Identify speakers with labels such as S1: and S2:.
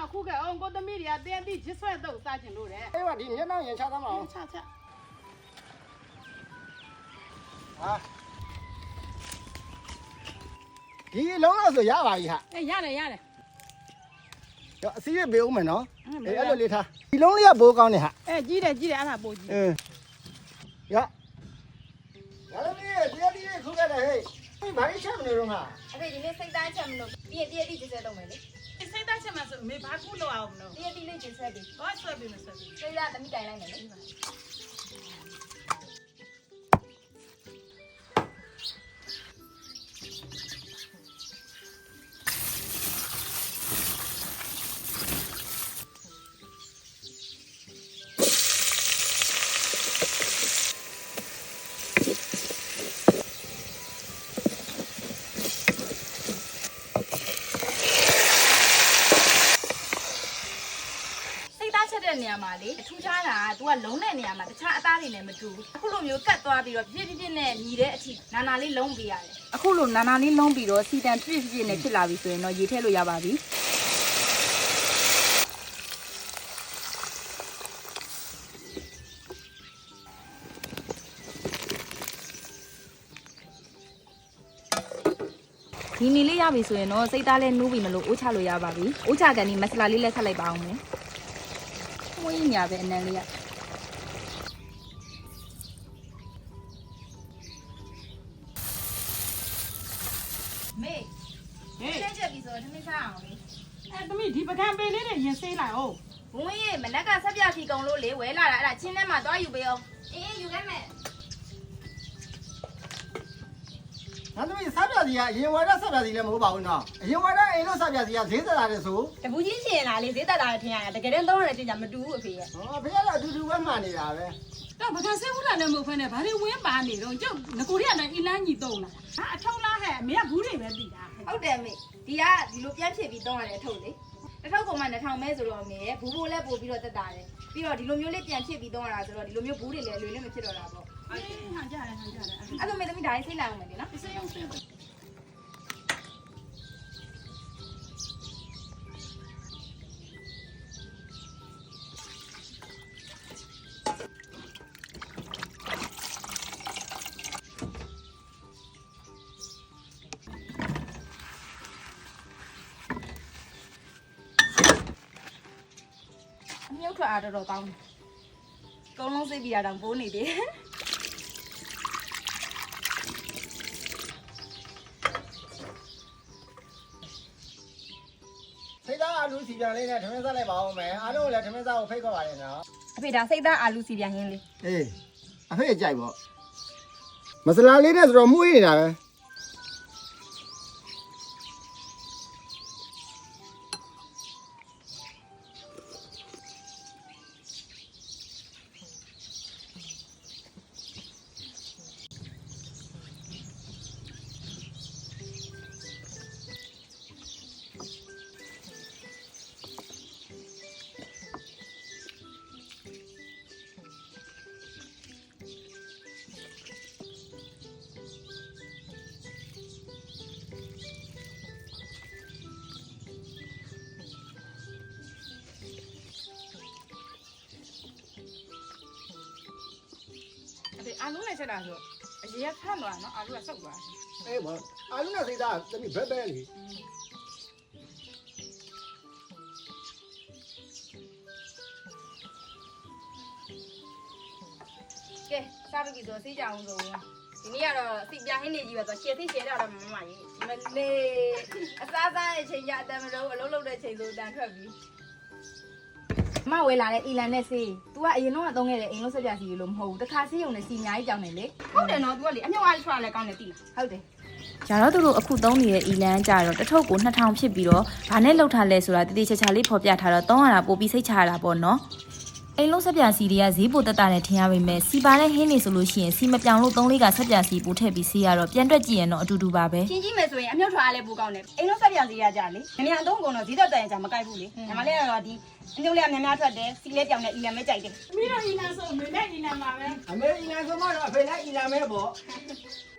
S1: ခုကအောင်ကိုသမီးတွေကတင်းတိချစ်ဆွဲတော့စားချင်လို့တဲ့
S2: အေးပါဒီမျက်နှာရင်ချသမ်းပါအောင်
S1: ချချ
S2: ဟာဒီလုံးလောက်ဆိုရပါပြီဟာ
S1: အေးရတယ်
S2: တော့အစည်းရပေးဦးမယ်နော်အေးအဲ့လိုလေးထားဒီလုံးလေးကဘိုးကောင်းနေဟာ
S1: အေးကြီးတယ်အဲ့ဒါပို့ကြီး
S2: ရလည်းဒီခုခဲ့တယ်ဟဲ့ဒီဘာလို့ချက်မနေတော့ငါ
S3: အဖေဒီနေ့စိတ်သားချက်မလို့ပြည့်တိကျစဲတော့မယ်လေ
S1: စိတ်သားချက်မှဆိုမေဘာခုလောက်အောင်လို့
S3: ပြည့်တိလေးကျစဲပြီ
S1: ဘာဆွဲပြီးမဆွဲပြီး
S3: စိတ်သားသမီးတိုင်လိုက်မယ်လေတဲ့နေရာမှာလေအထူးခြားတာက तू ကလုံးတဲ့နေရာမှာတခြားအသားတွေနဲ့မတူဘူးအခုလိုမျိုးကတ်သွားပြီးတော့ပြည့်နဲ့ညီတဲ့အထိနာနာလေးလုံးပေးရတယ်အခုလိုနာနာလေးလုံးပြီးတော့စီတန်ပြည့်နဲ့ဖြစ်လာပြီဆိုရင်တော့ရေထည့်လို့ရပါပြီဒီနီလေးရပြီဆိုရင်တော့စိတ်သားလေးနူးပြီမလို့အိုးချလို့ရပါပြီအိုးချကန်ဒီမဆလာလေးလည်းဆက်လိုက်ပါအောင်မယ်ဝင်းညာပဲအနံလေးရမေရှင်းချက်ပြီးဆိုတော့သမီးစားအောင်လေ
S1: အဲသမီးဒီပကံပေးလေးတွေရင်ဆေးလိုက်အောင်
S3: ဘုံကြီးမနက်ကဆက်ပြဖြီကုံလို့လေဝဲလာတာအဲ့ဒါချင်းထဲမှာသွားယူပေးအောင်အေးယူခဲ့မယ်
S2: ငါသမီးစားပြစီကအရင်ဝါဒစားပြစီလည်းမဟုတ်ပါဘူးနော်အရင်ဝါဒအိမ်လို့စားပြစီကဈေးသက်လာတယ်ဆို
S3: တပူကြီးရှင်လာလေဈေးသက်တာထင်ရတယ်တကယ်တမ်းသုံးရတဲ့ချင်းကြမတူဘူးအဖေရဲ့
S2: ဟောဖေကတော့အတူတူပဲမှန်နေတာပဲ
S1: တော့ပကံဆေးဘူးလာလည်းမဟုတ်ဖ ೇನೆ ဘာတွေဝင်းပါနေတော့ကျုပ်ငကိုရီကလည်းအီလန်းကြီးတုံးလာဟာအထုံးလားဟဲ့အမေကဘူးတွေပဲတည်တာ
S3: ဟုတ်တယ်မေဒီကဒီလိုပြန်ဖြစ်ပြီးသုံးရတဲ့အထုပ်လေတစ်ထုပ်ကောင်မှ2000မဲဆိုတော့အမေရဲ့ဘူးဘိုးလည်းပို့ပြီးတော့တက်တာတယ်ပြီးတော့ဒီလိုမျိုးလေးပြန်ဖြစ်ပြီးသုံးရတာဆိုတော့ဒီလိုမျိုးဘူးတွေလည်းအလွယ်လေးမဖြစ်တော့တာပေါ့
S1: အေးဟန်ကြတယ်
S3: အဲ့လိုမေသမီးဒါလေးစိတ်လိုက်အောင်မယ်နော်
S1: ဆေးအောင်ဆေးအောင်
S3: အမြုပ်ထွက်အားတော်တော်ကောင်းတယ်ကုန်းလုံးစိတ်ပြီးတာတော့ပိုးနေသေးတယ်
S2: စိတ်သားအလူစီပြန်လေးနဲ့ထမင်းစားလိုက်ပါအောင်မယ်အားလုံးလည်းထမင်းစားကိုဖိတ်ခေါ်ပါတယ်နော်
S3: အဖေဒါစိတ်သားအာလူစီပြန်ဟင်းလေး
S2: အေးအဖေကြိုက်ပေါ့မစလာလေးနဲ့ဆိုတော့မှုနေတာပဲ
S1: အာလုံးလိုက်ချက်တာဆိုအရေကဖတ်သွားနော်အာလုံးကဆောက်သွား
S2: အေးပေါ့အားလုံးနဲ့စိတ်သားသမီးဘက်ပဲလေ
S3: ကဲစားပြီဆိုစိတ်ကြအောင်ဆိုရင်ဒီနေ့ကတော့စိတ်ပြန်ဟင်းနေကြီးပဲဆိုရှယ်သိရှယ်တော့မမကြီးမလေးအစားစားရဲ့ချိန်ကြအတမ်းမလို့အလုံးလုံးတဲ့ချိန်ဆိုတန်ထွက်ပြီမဝဲလာတဲ့အီလန်နဲ့ဆေး तू ကအရင်တော့သုံးခဲ့တဲ့အိမ်လုံးဆက်ပြစီလို့မဟုတ်ဘူးတခါဆေးရုံနဲ့စီအများကြီးကြောင်းနေလေဟုတ်တယ်နော် तू ကလေအမြုပ်အားထွက်လဲကောင်းတယ်တိလားဟုတ်တယ်
S4: ။ရာတော့သူတို့အခုသုံးနေတဲ့အီလန်ကြတော့တစ်ထုပ်ကို2000ဖြစ်ပြီးတော့ဘာနဲ့လောက်ထားလဲဆိုတာတတိချာချာလေးဖော်ပြထားတော့300တာပို့ပြီးစိတ်ချရတာပေါ့နော်။အိမ်လုံးဆက်ပြန်စီတွေကဈေးပိုတက်တာနဲ့ထင်ရပါမယ်။စီပါတဲ့ဟင်းနေဆိုလို့ရှိရင်စီမပြောင်လို့3-4ကဆက်ပြန်စီပို့ထည့်ပြီးစီးရတော့ပြန်တွက်ကြည့်ရင်တော့အတူတူပါပဲ။
S3: ချင်းကြီးမယ်ဆိုရင်အမြုပ်ထွက်အားလဲပိုကောင်းတယ်အိမ်လုံးဆက်ပြစီရကြလေငမြအသုံးကုန်တော့ဈေးသက်တန်ကြမကိုက်ဘူးလေညီမလေးကတော့ဒီအမြုပ်လေးကများများထွက်တယ်စီလဲပြောင်တဲ့အီလန်ပဲကြိုက်တယ်
S1: သမီးတို့အီလန်းဆိုအမေနဲ့အီလန်းပါပဲ
S2: အမေအီလန်ဆိုမှတော့အဖေလည်းအီလန်ပဲပေါ့